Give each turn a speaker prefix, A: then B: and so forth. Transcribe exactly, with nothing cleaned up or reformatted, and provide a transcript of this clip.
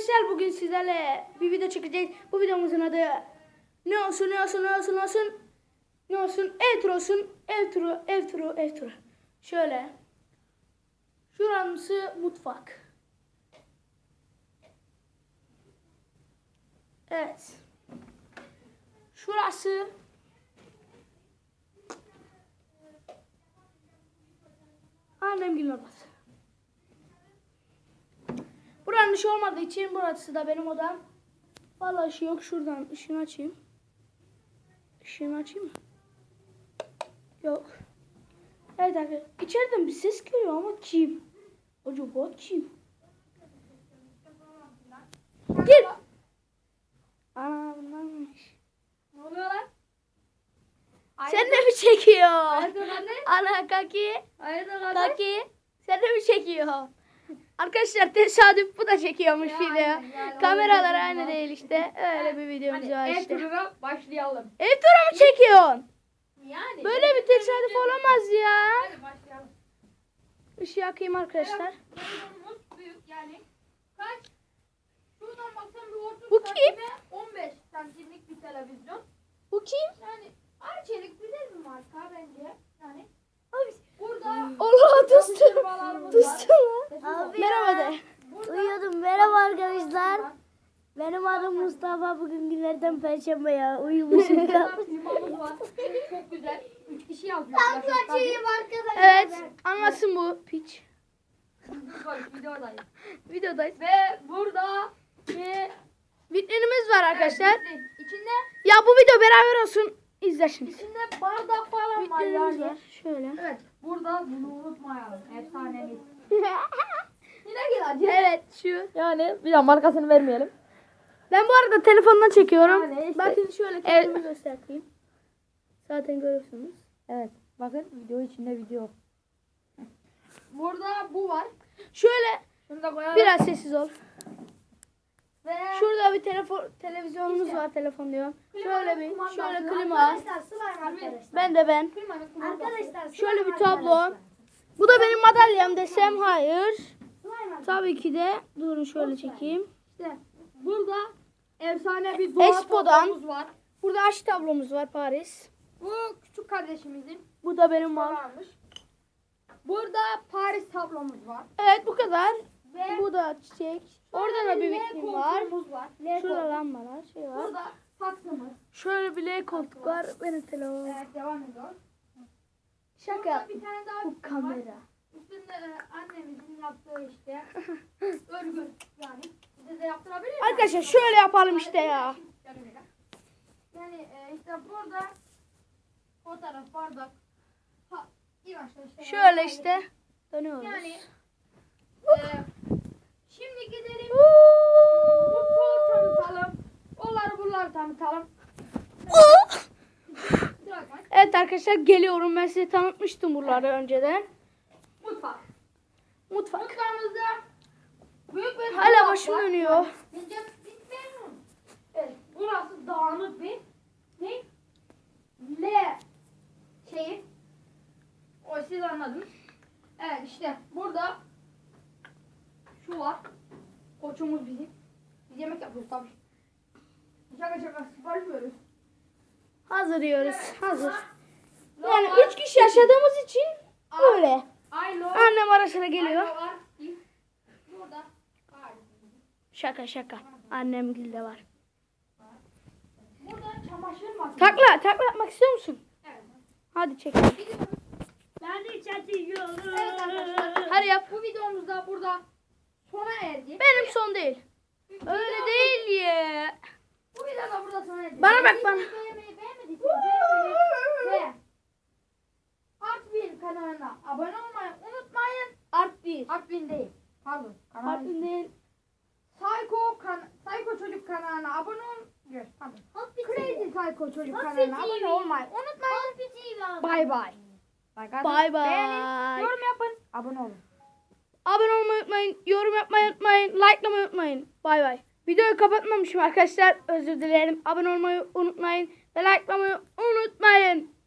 A: arkadaşlar, bugün sizlerle bir video çekeceğiz. Bu videomuzun adı ne olsun ne olsun ne olsun ne olsun ne olsun ev turu olsun, ev turu ev turu ev turu. Şöyle, şurası mutfak. Evet, şurası annemgilin odası. Buranın ışığı olmadığı için burası da benim odam. Vallahi ışığı yok. Şuradan ışığını açayım. Işığını açayım mı? Yok. Evet arkadaşlar. İçeriden bir ses geliyor ama kim? Acaba kim? Gir. Ana bunlarmış.
B: Ne oluyor lan?
A: Sen de mi çekiyor?
B: Hayırdır anne?
A: Ana kaki.
B: Hayırdır kardeş?
A: Kaki. Sen de mi çekiyor? Arkadaşlar tesadüf, bu da çekiyormuş
B: Ya,
A: video.
B: aynen, yani
A: Kameralar
B: öyle
A: aynı
B: bir
A: değil işte. Öyle bir videomuz
B: Hadi
A: var
B: ev
A: işte.
B: turuna başlayalım.
A: Ev turu mu çekiyorsun?
B: Yani.
A: Böyle bir tesadüf olamaz ya.
B: Hadi başlayalım.
A: Işığı yakayım arkadaşlar.
B: Telefonumuz büyük yani. Kaç? Şuradan baksan bir otuz
A: Bu kim?
B: santime on beş santimlik bir televizyon.
A: Bu kim?
B: Yani Arçelik güzel bir marka bence. Yani
A: Abi.
B: burada
A: Allah düştü.
B: konservalarımız
A: Düştü
B: var.
A: lan.
C: Abi
A: Merhaba de.
B: Burada
C: Uyuyordum. Merhaba arkadaşlar.
B: var.
C: Benim adım Mustafa. Bugün günlerden perşembe ya. Uyumuşum.
B: Burada klimamız var. Çok güzel. Üç kişi yazıyor.
C: arkadaşlar.
A: Evet, anlasın bu piç.
B: Videodayız.
A: Videodayız.
B: Ve burada bir
A: Vitrinimiz var arkadaşlar.
B: Evet, içinde
A: Ya bu video beraber olsun. İzle şimdi.
B: içinde bardak falan var
A: Vitrinimiz
B: yani.
A: var. Şöyle.
B: Evet. Burada bunu unutmayalım. Efsanevi. Yine gel
A: Evet, şu.
B: Yani bir daha markasını vermeyelim.
A: Ben bu arada telefondan çekiyorum.
B: Yani işte-
A: Bakın şöyle kendimi göstereyim. Zaten görüyorsunuz.
B: Evet. Bakın video içinde video. Burada bu var.
A: Şöyle
B: Şunu da koyalım.
A: biraz sessiz ol.
B: Ve
A: Şurada bir telefon televizyonumuz
B: İşte.
A: var, telefon diyorum. Şöyle bir
B: kumandası.
A: şöyle klima.
C: Arkadaşlar slime arkadaşlar.
A: Ben de ben.
B: klimanın kumandası.
C: Arkadaşlar slime
A: Şöyle bir tablo.
C: arkadaşlar.
A: Bu da benim madalyam desem hayır.
C: Slime arkadaşlar.
A: Tabii ki de. Durun şöyle çekeyim.
B: İşte burada efsane bir doğa
A: Expo'dan.
B: tablomuz var.
A: Burada aşk tablomuz var, Paris.
B: Bu küçük kardeşimizin
A: Bu da benim var.
B: varmış. Burada Paris tablomuz var.
A: Evet, bu kadar.
B: Ve
A: Bu da çiçek. Orada da bir
B: L
A: vitrin var.
B: koltuğumuz var. L
A: Şurada
B: koltuk.
A: lambalar, şey var.
B: Burada saksımız.
A: Şöyle bir L koltuk var. Benim telefon.
B: Evet, devam ediyoruz.
A: Şaka
B: Burada
A: yaptım.
B: bir tane daha
A: Bu
B: vitrin
A: kamera.
B: var. Üstünde e, annemizin yaptığı işte örgü yani. Bize de yaptırabilir mi?
A: Arkadaşlar şöyle yapalım işte ya.
B: Yani e, işte burada fotoğraf, bardak. Ha, iyi başla işte.
A: Şöyle işte dönüyoruz.
B: Yani e, şimdi gidelim mutfağı tanıtalım. Onları bunları tanıtalım. Kusura bakmayın.
A: Evet arkadaşlar, geliyorum. Ben size tanıtmıştım buraları önceden.
B: Mutfak.
A: Mutfak.
B: Mutfağımızda büyük bir
A: Hala
B: dolap
A: başım
B: var.
A: dönüyor.
B: Bizce bitmiyor. Evet, burası dağınık bir ne? L şeyi. O siz anladınız. Evet işte burada şu var. Koçumuz bizim. Biz yemek yapıyoruz tabii. Şaka şaka sipariş veriyoruz.
A: Hazır diyoruz. Hazır.
B: Ne
A: Yani
B: var?
A: üç kişi yaşadığımız için böyle.
B: Aylo.
A: Annem ara sıra geliyor.
B: Aylo var. Burada. Var.
A: Şaka şaka. Annem gilde var.
B: Burada çamaşır makinesi.
A: Takla, takla yapmak istiyor musun?
B: Evet.
A: Hadi çek.
C: Ben de çatıyorum.
B: Evet arkadaşlar.
A: Hadi yap.
B: Bu videomuz da burada sona erdi.
A: Benim son değil. Öyle değil ya.
B: Bu video da burada sona erdi.
A: Bana bak, bana.
B: Beğenmeyi beğenmediyseniz beğenmeyi ve Artvin kanalına abone olmayı unutmayın.
A: Art değil.
B: Artvin değil. Pardon. Kanal
A: Art değil.
B: Psycho, kan Psycho Çocuk kanalına abone olun. Yok, pardon.
C: Happy
B: Crazy Psycho Çocuk
C: Happy
B: kanalına
C: T V.
B: abone olmayı unutmayın.
C: Happy T V.
B: Bay bay.
A: Bay bay.
B: Beğenin, yorum yapın, abone olun.
A: Abone olmayı unutmayın. Yorum yapmayı unutmayın. Likelamayı unutmayın. Bay bay. Videoyu kapatmamışım arkadaşlar. Özür dilerim. Abone olmayı unutmayın. Ve likelamayı unutmayın.